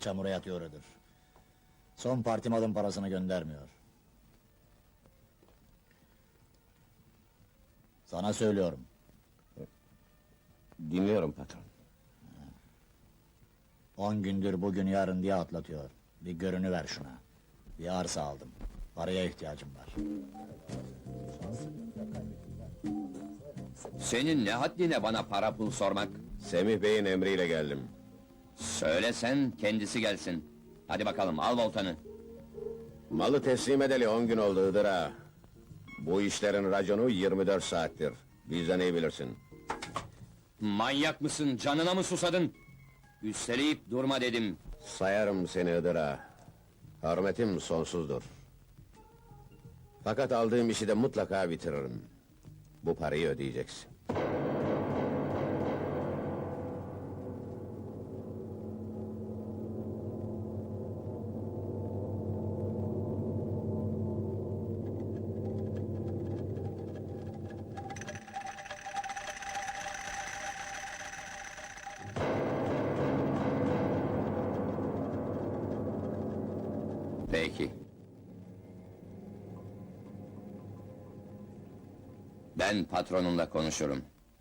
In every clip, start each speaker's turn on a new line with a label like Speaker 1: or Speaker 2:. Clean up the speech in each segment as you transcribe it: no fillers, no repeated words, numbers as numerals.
Speaker 1: çamura yatıyordur. Son parti malın parasını göndermiyor. Sana söylüyorum.
Speaker 2: Dinliyorum patron.
Speaker 1: 10 gündür bugün yarın diye atlatıyor. Bir görünüver şuna. Bir arsa aldım. Paraya ihtiyacım var.
Speaker 3: Senin ne haddine bana para pul sormak?
Speaker 2: Semih Bey'in emriyle geldim.
Speaker 3: Söylesen kendisi gelsin. Hadi bakalım al voltanı.
Speaker 2: Malı teslim edeli 10 gün oldu Hıdır ağa. Bu işlerin raconu 24 saattir. Bizden iyi bilirsin.
Speaker 3: Manyak mısın, canına mı susadın? Üsteleyip durma dedim.
Speaker 2: Sayarım seni Hıdır ağa. Hürmetim sonsuzdur. Fakat aldığım işi de mutlaka bitiririm. Bu parayı ödeyeceksin.
Speaker 3: Peki. Ben patronunla konuşurum.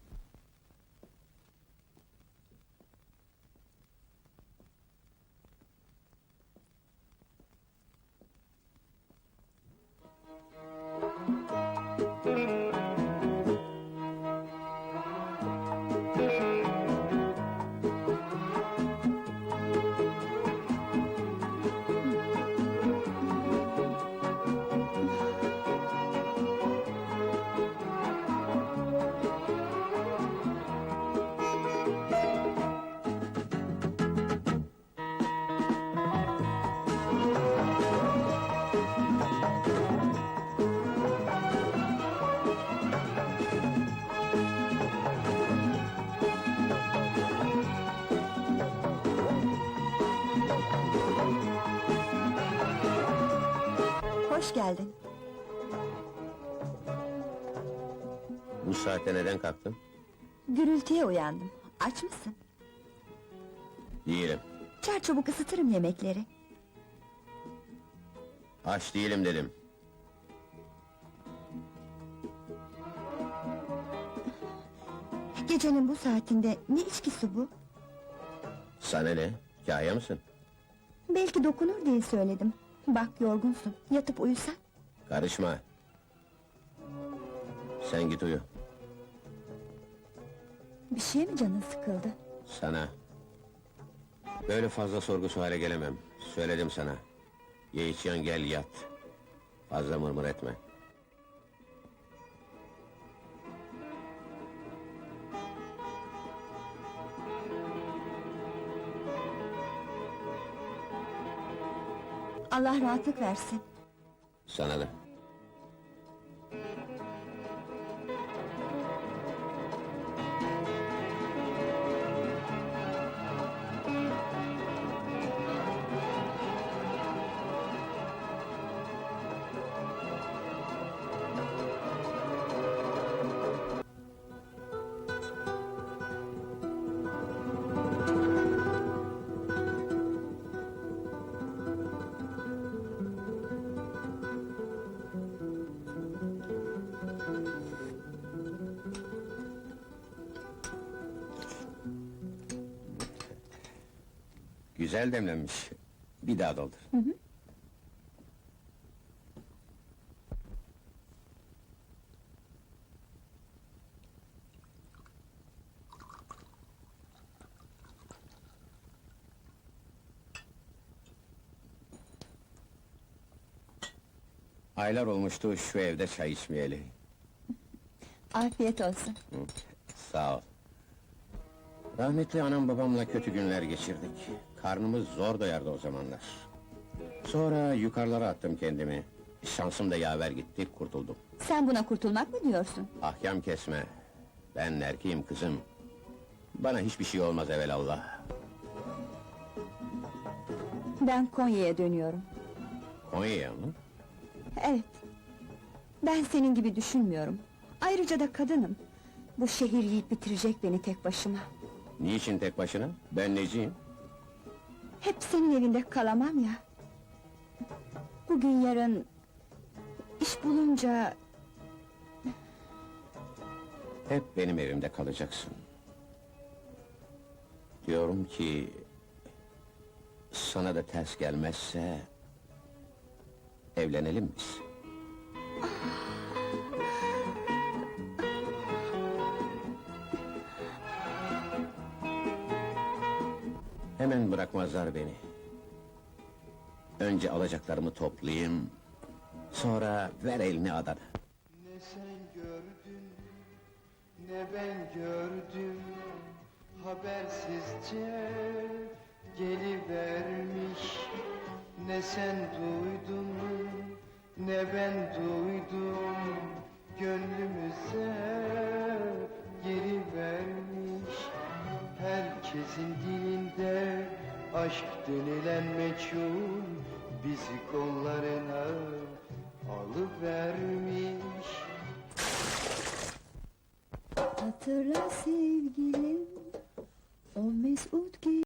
Speaker 4: Hoş geldin.
Speaker 2: Bu saatte neden kalktın?
Speaker 4: Gürültüye uyandım. Aç mısın?
Speaker 2: Değilim.
Speaker 4: Çarçabuk ısıtırım yemekleri.
Speaker 2: Aç değilim dedim.
Speaker 4: Gecenin bu saatinde ne içkisi bu?
Speaker 2: Sana ne? Kâhya mısın?
Speaker 4: Belki dokunur diye söyledim. Bak yorgunsun, yatıp uyusan.
Speaker 2: Karışma. Sen git uyu.
Speaker 4: Bir şeye mi canın sıkıldı?
Speaker 2: Sana. Böyle fazla sorgu suale gelemem. Söyledim sana. Ye içiyorsun gel yat. Fazla mırmır etme.
Speaker 4: Allah rahatlık versin.
Speaker 2: Sana da. Güzel demlenmiş. Bir daha doldur. Aylar olmuştu şu evde çay içmeyeli.
Speaker 4: Afiyet olsun.
Speaker 2: Sağ ol. Rahmetli anam babamla kötü günler geçirdik. Karnımız zor doyardı o zamanlar. Sonra yukarılara attım kendimi. Şansım da yaver gitti, kurtuldum.
Speaker 4: Sen buna kurtulmak mı diyorsun?
Speaker 2: Ahkam kesme. Ben erkeğim kızım. Bana hiçbir şey olmaz evelallah.
Speaker 4: Ben Konya'ya dönüyorum.
Speaker 2: Konya'ya mı?
Speaker 4: Evet. Ben senin gibi düşünmüyorum. Ayrıca da kadınım. Bu şehir yiyip bitirecek beni tek başıma.
Speaker 2: Niçin tek başına? Ben neciyim?
Speaker 4: Hep senin evinde kalamam ya. Bugün yarın... iş bulunca...
Speaker 2: Hep benim evimde kalacaksın. Diyorum ki... sana da ters gelmezse... evlenelim biz. Hemen bırakmazlar beni. Önce alacaklarımı toplayayım... sonra ver elini adana.
Speaker 5: Ne sen gördün, ne ben gördüm. Habersizce gelivermiş. Ne sen duydun, ne ben duydum. Gönlümüze girivermiş. Herkesin dilinde aşk denilen meçhul bizi kollarına alıvermiş.
Speaker 4: Hatırla sevgilim, o mesut